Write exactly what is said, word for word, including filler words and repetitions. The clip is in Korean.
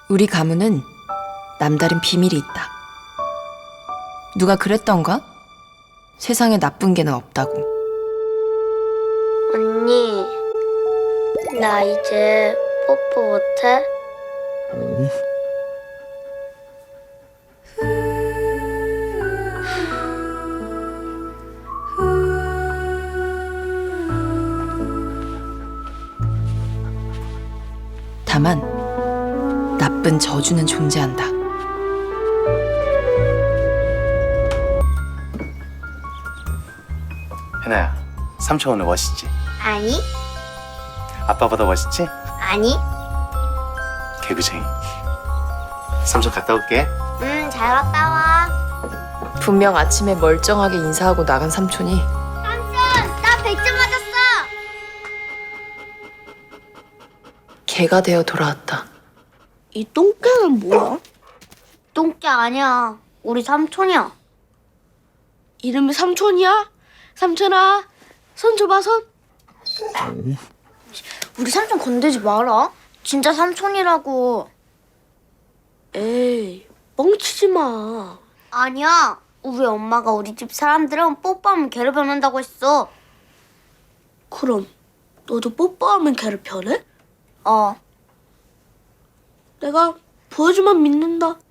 우리 가문은 남다른 비밀이 있다. 누가 그랬던가? 세상에 나쁜 개는 없다고. 언니, 나 이제 뽀뽀 못해? 다만 나쁜 저주는 존재한다. 현아야, 삼촌 오늘 멋있지? 아니, 아빠보다 멋있지? 아니. 개구쟁이. 삼촌 갔다 올게. 응, 잘 갔다 와. 분명 아침에 멀쩡하게 인사하고 나간 삼촌이 삼촌, 나 백 점 맞았어. 개가 되어 돌아왔다. 이 똥개는 뭐야? 똥개 아니야. 우리 삼촌이야. 이름이 삼촌이야? 삼촌아, 손 줘봐, 손. 우리 삼촌 건들지 마라. 진짜 삼촌이라고. 에이, 뻥치지 마. 아니야. 우리 엄마가 우리 집 사람들은 뽀뽀하면 개를 변한다고 했어. 그럼 너도 뽀뽀하면 개를 변해? 어. 내가 보여주면 믿는다.